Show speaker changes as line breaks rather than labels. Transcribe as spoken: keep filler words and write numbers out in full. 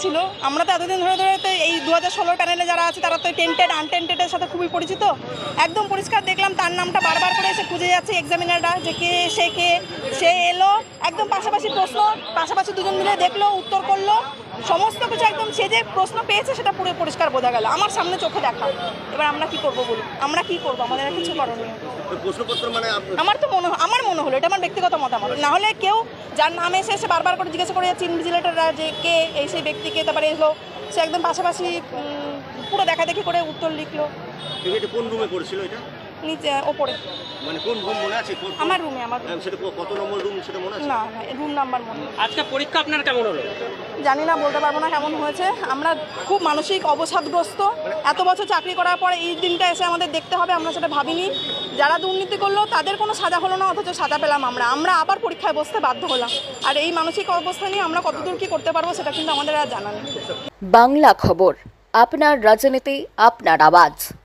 ছিল। আমরা তো এতদিন ধরে ধরে তো এই দু হাজার ষোলোর প্যানেলে যারা আছে তারা তো টেন্টেড আনটেন্টেডের সাথে খুবই পরিচিত। একদম পরিষ্কার দেখলাম তার নামটা বারবার করে এসে খুঁজে যাচ্ছে এক্সামিনাররা যে কে সে কে সে এলো, একদম পাশাপাশি প্রশ্ন, পাশাপাশি দুজন মিলে দেখলো, উত্তর করলো, সমস্ত কিছু একদম সে যে প্রশ্ন পেয়েছে সেটা পুরো পরিষ্কার বোঝা গেল আমার সামনে চোখে দেখা। এবার আমরা কি করবো বলুন, আমরা কি করবো, আমাদের আর কিছু করণীয়।
প্রশ্নপত্র মানে
আমার তো মনে আমার মনে হলো, এটা আমার ব্যক্তিগত মতামত, না হলে কেউ যার নাম এসে এসে বারবার করে জিজ্ঞাসা করে যাচ্ছে ইনভিজিলেটররা যে কে এই সেই ব্যক্তিকে, তারপরে এলো সে একদম পাশাপাশি পুরো দেখা দেখি করে উত্তর লিখলো।
এটা কোন রুমে পড়েছিল এটা?
নিচে ওপরে।
মানে কোন রুম মনে আছে?
আমার রুমে। আমার
সেটা কত নম্বর রুম সেটা মনে আছে?
না না রুম নাম্বার মনে নেই।
আজকে পরীক্ষা আপনার কেমন হলো?
জানি না, বলতে পারবো না কেমন হয়েছে। আমরা খুব মানসিক অবসাদগ্রস্ত। এত বছর চাকরি করার পর এই দিনটা এসে আমাদের দেখতে হবে, আমরা সেটা ভাবিনি। যারা দুর্নীতি করলো তাদের কোনো সাজা হলো না, অথচ সাজা পেলাম আমরা আমরা আবার পরীক্ষায় বসতে বাধ্য হলাম। আর এই মানসিক অবস্থা নিয়ে আমরা কতদূর কী করতে পারবো সেটা কিন্তু আমাদের আর জানা নেই।
বাংলা খবর, আপনার রাজনীতি, আপনার আওয়াজ।